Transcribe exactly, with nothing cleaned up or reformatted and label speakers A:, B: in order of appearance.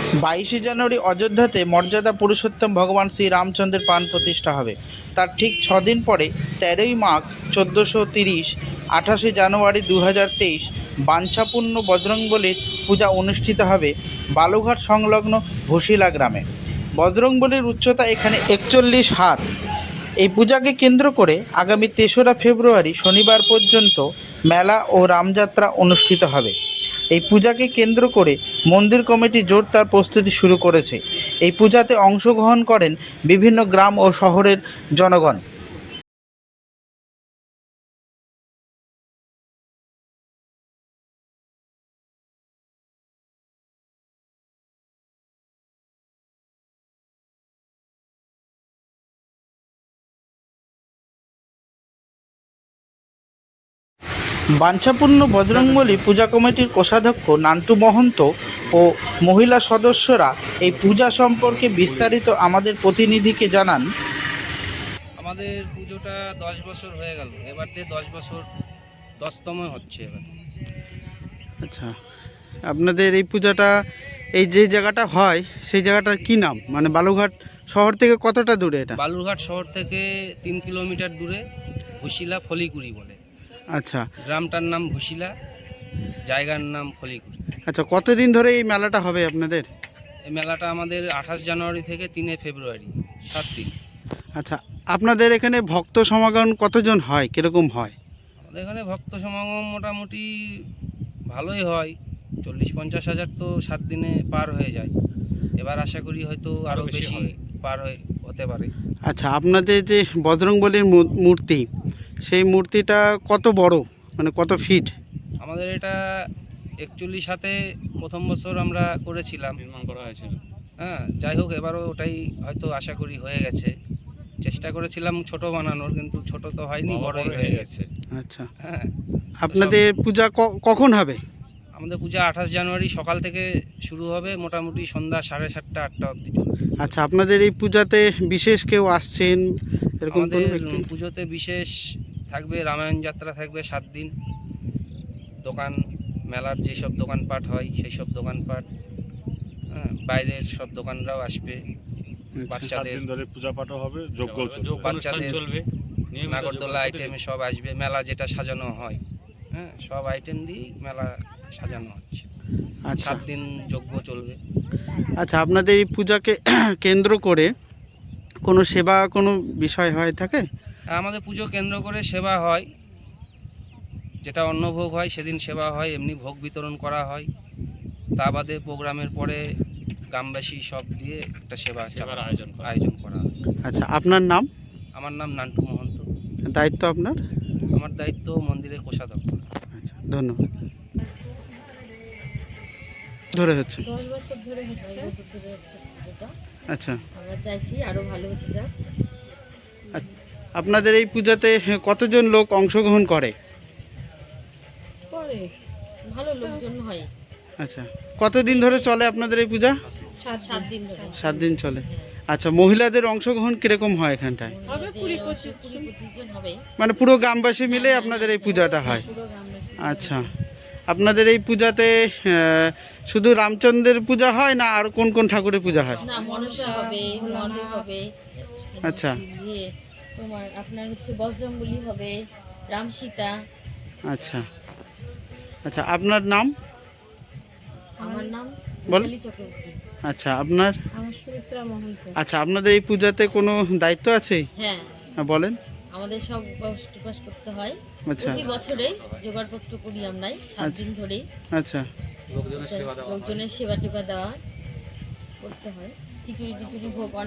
A: বাইশে জানুয়ারি অযোধ্যাতে মর্যাদা পুরুষোত্তম ভগবান শ্রী রামচন্দ্রের প্রাণ প্রতিষ্ঠা হবে। তার ঠিক ছদিন পরে তেরোই মাঘ চোদ্দোশো তিরিশ আঠাশে জানুয়ারি দু হাজার তেইশ বাঞ্ছাপূর্ণ বজরংবলীর পূজা অনুষ্ঠিত হবে বালুঘাট সংলগ্ন ভুশিলা গ্রামে। বজরংবলীর উচ্চতা এখানে একচল্লিশ হাত। এই পূজাকে কেন্দ্র করে আগামী তেসরা ফেব্রুয়ারি শনিবার পর্যন্ত মেলা ও রামযাত্রা অনুষ্ঠিত হবে। এই পূজাকে কেন্দ্র করে মন্দির কমিটি জোর তার প্রস্তুতি শুরু করেছে। এই পূজাতে অংশগ্রহণ করেন বিভিন্ন গ্রাম ও শহরের জনগণ। বাঞ্ছাপূর্ণ বজরংবলী পূজা কমিটির কোষাধ্যক্ষ নান্টু মহন্ত ও মহিলা সদস্যরা এই পূজা সম্পর্কে বিস্তারিত আমাদের প্রতিনিধিকে জানান।
B: আমাদের পুজোটা দশ বছর হয়ে গেল, এবার দিয়ে দশ বছর দশতম হচ্ছে এবার।
A: আচ্ছা, আপনাদের এই পূজাটা এই যে জায়গাটা হয় সেই জায়গাটার কি নাম, মানে বালুঘাট শহর থেকে কতটা দূরে এটা?
B: বালুরঘাট শহর থেকে তিন কিলোমিটার দূরে ভুশিলা ফলিকুড়ি বলে।
A: আচ্ছা,
B: গ্রামটার নাম ভুশিলা, জায়গার নাম ফলিকুড়ি।
A: আচ্ছা, কতদিন ধরে এই মেলাটা হবে আপনাদের?
B: এই মেলাটা আমাদের আঠাশ জানুয়ারি থেকে তিনে ফেব্রুয়ারি, সাত দিন।
A: আচ্ছা, আপনাদের এখানে ভক্ত সমাগম কতজন হয়, কীরকম হয়?
B: আমাদের এখানে ভক্ত সমাগম মোটামুটি ভালোই হয়, চল্লিশ পঞ্চাশ হাজার তো সাত দিনে পার হয়ে যায়। এবার আশা করি হয়তো আরও বেশি পার হয়ে হতে পারে।
A: আচ্ছা, আপনাদের যে বজরংবলীর মূ- মূর্তি, সেই মূর্তিটা কত বড়, মানে কত ফিট?
B: আমাদের এটা একচল্লিশ হাতে প্রথম বছর আমরা করেছিলাম, নির্মাণ করা হয়েছিল। হ্যাঁ, যাই হোক এবারও ওটাই হয়তো আশা করি হয়ে গেছে। চেষ্টা করেছিলাম ছোট বানানোর, কিন্তু ছোট তো হয়নি, বড়ই হয়ে গেছে।
A: আচ্ছা,
B: হ্যাঁ,
A: আপনাদের পূজা ক- কখন হবে?
B: আমাদের পূজা আঠাশ জানুয়ারি সকাল থেকে শুরু হবে, মোটামুটি সন্ধ্যা সাড়ে সাতটা আটটা অবধি চলবে।
A: আচ্ছা, আপনাদের এই পূজাতে বিশেষ কেউ আসছেন এরকম কোনো
B: আমাদের
A: ব্যক্তি?
B: পুজোতে বিশেষ থাকবে রামায়ণ যাত্রা থাকবে সাত দিন, দোকান মেলার যেসব দোকানপাট হয় সেই সব দোকানপাট, হ্যাঁ, বাইরের সব দোকানরাও আসবে। বাচ্চাদের
C: ধরে পূজা পাঠও হবে, যজ্ঞ
B: বাচ্চাদের
C: চলবে,
B: নাগরদোলা আইটেমে সব আসবে। মেলা যেটা সাজানো হয়, হ্যাঁ, সব আইটেম দিয়েই মেলা সাজানো হচ্ছে।
A: আচ্ছা,
B: সাত দিন যজ্ঞ চলবে।
A: আচ্ছা, আপনাদের এই পূজাকে কেন্দ্র করে কোনো সেবা কোনো বিষয় হয় থাকে?
B: আমাদের পুজো কেন্দ্র করে সেবা হয়, যেটা অন্নভোগ হয় সেদিন সেবা হয়, এমনি ভোগ বিতরণ করা হয়। তা বাদে প্রোগ্রামের পরে গ্রামবাসী সব দিয়ে একটা সেবা সেবার আয়োজন আয়োজন করা হয়।
A: আচ্ছা, আপনার নাম?
B: আমার নাম নান্টু মহন্ত।
A: দায়িত্ব আপনার?
B: আমার দায়িত্ব মন্দিরের কোষাধ্যক্ষ।
A: আচ্ছা, ধন্যবাদ। ধরে হচ্ছে
D: দশ বছর ধরে হচ্ছে দশ বছর ধরে হচ্ছে পুজোটা।
A: আচ্ছা,
D: আমরা চাইছি আরো ভালো হতে যাক।
A: আপনাদের এই পূজাতে কতজন লোক অংশগ্রহণ করে?
D: পরে ভালো লোকজন হয়।
A: আচ্ছা, কতদিন ধরে চলে আপনাদের এই পূজা?
D: সাত সাত দিন ধরে।
A: সাত দিন চলে। আচ্ছা, মহিলাদের অংশগ্রহণ কিরকম হয় এখানটায়?
D: হবে কুড়ি পঁচিশ কুড়ি পঁচিশ জন হবে।
A: মানে পুরো গ্রামবাসী মিলে আপনাদের এই পূজাটা হয়?
D: পুরো গ্রামবাসী।
A: আচ্ছা, আপনাদের এই পূজাতে আহ, শুধু রামচন্দ্রের পূজা হয় না আর কোন কোন ঠাকুরের পূজা হয়?
D: না, মনসা হবে, মহাদেব হবে।
A: আচ্ছা,
D: ইয়ে তোমার আপনার হচ্ছে বজরংবলী হবে, রাম সীতা।
A: আচ্ছা, আচ্ছা, আপনার নাম?
D: আমার নাম
A: বল।
D: মিতালি চক্রবর্তী।
A: আচ্ছা, আপনার?
D: আমার সুমিত্রা মহন্ত।
A: আচ্ছা, আপনাদের এই পূজাতে কোনো দায়িত্ব আছে?
D: হ্যাঁ,
A: হ্যাঁ, বলেন।
D: আমাদের সব উপাস টুপাস করতে হয়।
A: আচ্ছা,
D: প্রতি বছরে জোগাড়পত্র করি আমরাই সাত দিন ধরে।
A: আচ্ছা,
D: লোকজনের সেবা টেবা দেওয়া করতে হয়, খিচুড়ি টিচুড়ি ভোগ